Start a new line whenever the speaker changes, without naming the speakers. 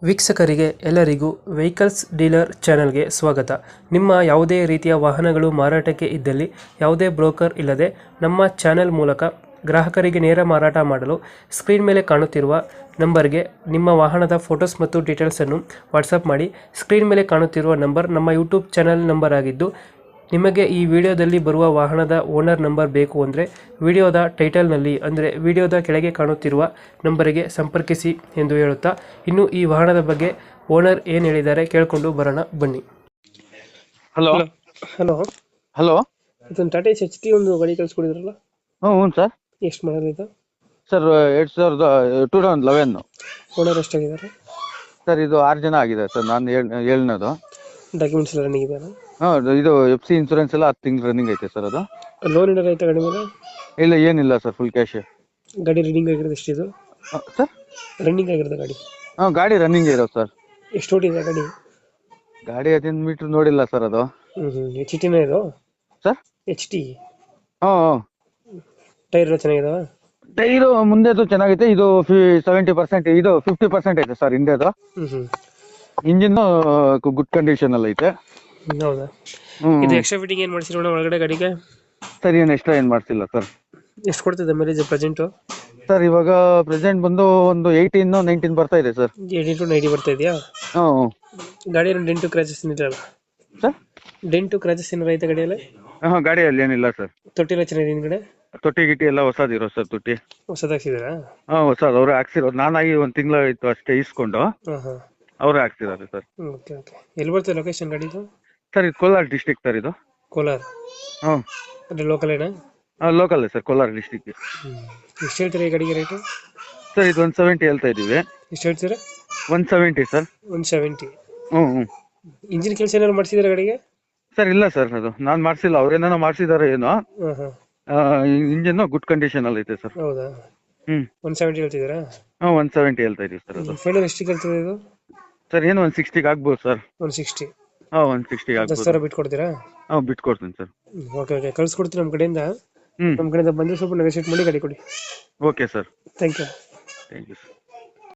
ವೀಕ್ಷಕರಿಗೆ ಎಲ್ಲರಿಗೂ vehicles dealer ಚಾನೆಲ್ಗೆ ಸ್ವಾಗತ. ನಿಮ್ಮ ಯಾವುದೇ ರೀತಿಯ ವಾಹನಗಳು ಮಾರಾಟಕ್ಕೆ ಇದ್ದಲ್ಲಿ ಯಾವುದೇ ಬ್ರೋಕರ್ ಇಲ್ಲದೆ ನಮ್ಮ ಚಾನೆಲ್ ಮೂಲಕ ಗ್ರಾಹಕರಿಗೆ ನೇರ ಮಾರಾಟ ಮಾಡಲು ಸ್ಕ್ರೀನ್ ಮೇಲೆ ಕಾಣುತ್ತಿರುವ ನಂಬರ್ಗೆ ನಿಮ್ಮ ವಾಹನದ ಫೋಟೋಸ್ ಮತ್ತು ಡೀಟೇಲ್ಸನ್ನು ವಾಟ್ಸಪ್ ಮಾಡಿ. ಸ್ಕ್ರೀನ್ ಮೇಲೆ ಕಾಣುತ್ತಿರುವ ನಂಬರ್ ನಮ್ಮ ಯೂಟ್ಯೂಬ್ ಚಾನೆಲ್ ನಂಬರ್ ಆಗಿದ್ದು, ನಿಮಗೆ ಈ ವಿಡಿಯೋದಲ್ಲಿ ಬರುವ ವಾಹನದ ಓನರ್ ನಂಬರ್ ಬೇಕು ಅಂದರೆ ವಿಡಿಯೋದ ಟೈಟಲ್ನಲ್ಲಿ ಅಂದರೆ ವಿಡಿಯೋದ ಕೆಳಗೆ ಕಾಣುತ್ತಿರುವ ನಂಬರಿಗೆ ಸಂಪರ್ಕಿಸಿ ಎಂದು ಹೇಳುತ್ತಾ, ಇನ್ನು ಈ ವಾಹನದ ಬಗ್ಗೆ ಓನರ್ ಏನು ಹೇಳಿದ್ದಾರೆ ಕೇಳಿಕೊಂಡು ಬರೋಣ ಬನ್ನಿ.
ಹಲೋ
ಹಲೋ
ಹಲೋ
ಇದೊಂದು ಟಾಟಾ ಎಚ್ ಟಿ ಒಂದು ಗಾಡಿ ಕಳಿಸ್ಕೊಡಿದ್ರಲ್ಲ,
ಹ್ಞೂ ಸರ್.
ಎಷ್ಟು ಮಾಡಲ್ ಇದು?
Sir 2011
owner ಎಷ್ಟಾಗಿದ್ದಾರೆ?
ಸರ್ ಇದು 6 ಜನ ಆಗಿದೆ ಸರ್. ನಾನು ಏಳನೇದು.
ಡಾಕ್ಯುಮೆಂಟ್ಸ್ ಎಲ್ಲ ರನ್ನಿಂಗ್ ಇದೆಯಾ?
ಹಾಂ, ಇದು FC ಇನ್ಸೂರೆನ್ಸ್ ಎಲ್ಲ 10 ತಿಂಗಳು ರನ್ನಿಂಗ್ ಐತೆ ಸರ್. ಅದು
ಲೋನ್ ಏನಾರ ಐತೆ ಗಾಡಿ ಮೇಲೆ?
ಇಲ್ಲ, ಏನಿಲ್ಲ ಸರ್, ಫುಲ್ ಕ್ಯಾಶ್.
ಗಾಡಿ ರನ್ನಿಂಗ್ ಆಗಿರೋದು ಎಷ್ಟಿದು?
ಸರ್
ರನ್ನಿಂಗ್ ಆಗಿರೋದು ಗಾಡಿ?
ಹಾಂ, ಗಾಡಿ ರನ್ನಿಂಗ್ ಇರೋದು ಸರ್.
ಎಷ್ಟು ಓಡಿದೆ ಗಾಡಿ?
ಗಾಡಿ 15 ಮೀಟ್ರ್ ನೋಡಿಲ್ಲ ಸರ್ ಅದು.
ಎಚ್ ಟಿನೇ ಇದು
ಸರ್?
H T.
ಹಾಂ,
ಟೈರ್ ಎಲ್ಲ ಚೆನ್ನಾಗಿದಾವ?
ಟೈರು ಮುಂದೆದು ಚೆನ್ನಾಗೈತೆ. ಇದು 70%, ಇದು 50% ಐತೆ ಸರ್ ಹಿಂದೆದು. ಇಂಜಿನ್ ಗುಡ್ ಕಂಡೀಷನ್ ಅಲ್ಲಿ ಐತೆ.
ಹೌದಾ? ಇದು ಎಕ್ಸ್ಟ್ರಾ ಫಿಟ್ಟಿಂಗ್ ಏನು ಮಾಡಿಸಿರೋಣ ಒಳಗಡೆ ಗಾಡಿಗೆ?
ಸರ್ ಏನು ಎಕ್ಸ್ಟ್ರಾ ಏನು ಮಾಡ್ತಿಲ್ಲ ಸರ್.
ಎಷ್ಟು ಕೊಡ್ತಿದೆ ಮೈಲೇಜ್ ಪ್ರೆಸೆಂಟು?
ಸರ್ ಇವಾಗ ಪ್ರೆಸೆಂಟ್ ಬಂದು ಒಂದು 18-19 ಬರ್ತಾ ಇದೆ ಸರ್.
18-90 ಬರ್ತಾ ಇದೆಯಾ?
ಹ್ಞೂ.
ಗಾಡಿ ಏನು ಡೆಂಟು ಕ್ರಾಚಸ್ ಏನಿಲ್ಲ
ಸರ್?
ಡೆಂಟು ಕ್ರಾಚಸ್ ಏನಾರ ಐತೆ ಗಾಡಿಯಲ್ಲಿ?
ಹಾಂ, ಗಾಡಿಯಲ್ಲಿ ಏನಿಲ್ಲ ಸರ್.
ತೊಟ್ಟಿ ಎಲ್ಲ ಚೆನ್ನಾಗಿದೆ ಹಿಂದ್ಗಡೆ?
ತೊಟ್ಟಿ ಗಿಟ್ಟಿ ಎಲ್ಲ ಹೊಸದಿರೋ ಸರ್. ತೊಟ್ಟಿ
ಹೊಸದಾಗ್ಸಿದಾರಾ?
ಹಾಂ, ಹೊಸದು. ಅವರು ಹಾಕ್ಸಿರೋದು. ನಾನಾಗಿ 1 ತಿಂಗಳು ಇತ್ತು ಅಷ್ಟೇ ಇಸ್ಕೊಂಡು.
ಹಾಂ ಹಾಂ,
ಅವರೇ ಹಾಕ್ಸಿದ್ದಾರೆ ಸರ್.
Okay okay. ಎಲ್ಲಿ ಬರ್ತದೆ ಲೊಕೇಶನ್ ಗಾಡಿದು?
ಸರ್ ಇದು ಕೋಲಾರ ಡಿಸ್ಟಿಕ್ ಸರ್. ಇದು
ಕೋಲಾರ?
ಹ್ಞೂ,
ಅಂದರೆ ಲೋಕಲ್ ಏನಾ?
ಹಾಂ, ಲೋಕಲ್ ಸರ್, ಕೋಲಾರ ಡಿಸ್ಟಿಕ್.
ಎಷ್ಟು ಹೇಳ್ತೀರಾ ಈ ಗಾಡಿಗೆ ರೇಟು?
ಸರ್ ಇದು 170 ಹೇಳ್ತಾ ಇದ್ದೀವಿ.
ಎಷ್ಟು ಹೇಳ್ತೀರಾ?
170 ಸರ್.
170.
ಹ್ಞೂ.
ಇಂಜಿನ್ ಕೆಲಸ ಏನಾದ್ರು ಮಾಡಿಸಿದ್ರೆ ಗಾಡಿಗೆ?
ಸರ್ ಇಲ್ಲ ಸರ್, ಅದು ನಾನು ಮಾಡಿಸಿಲ್ಲ. ಅವ್ರೇನೋ ಮಾಡಿಸಿದ್ದಾರೆ ಏನೋ.
ಹಾಂ ಹಾಂ.
ಇಂಜಿನ್ ಗುಡ್ ಕಂಡೀಷನ್ ಅಲ್ಲಿ ಐತೆ ಸರ್.
ಹೌದಾ? 170 ಹೇಳ್ತಿದ್ದೀರಾ?
ಹಾಂ, 170 ಹೇಳ್ತಾ ಇದ್ದೀವಿ ಸರ್. ಅದು
ಫೈನಲ್ ಎಷ್ಟಿಗೆ ಹೇಳ್ತದೆ ಇದು?
ಸರ್ ಏನು 160ಗೆ ಆಗ್ಬೋದು ಸರ್.
160?
ಹಾಂ, 160ಗೆ ಆಗ್ಬೋದು.
10,000 ಬಿಟ್ಟು ಕೊಡ್ತೀರಾ?
ಹಾಂ, ಬಿಟ್ಕೊಡ್ತೀನಿ ಸರ್.
ಓಕೆ ಓಕೆ, ಕಳ್ಸಿಕೊಡ್ತೀನಿ ನಮ್ಮ ಕಡೆಯಿಂದ.
ಹ್ಞೂ,
ನಮ್ಮ ಕಡೆಯಿಂದ ಬಂದರೆ ಸ್ವಲ್ಪ ನೆಗೋಶಿಯೇಟ್ ಮಾಡಿ ಗಾಡಿ ಕೊಡಿ.
Okay sir.
Thank you.
Thank you sir.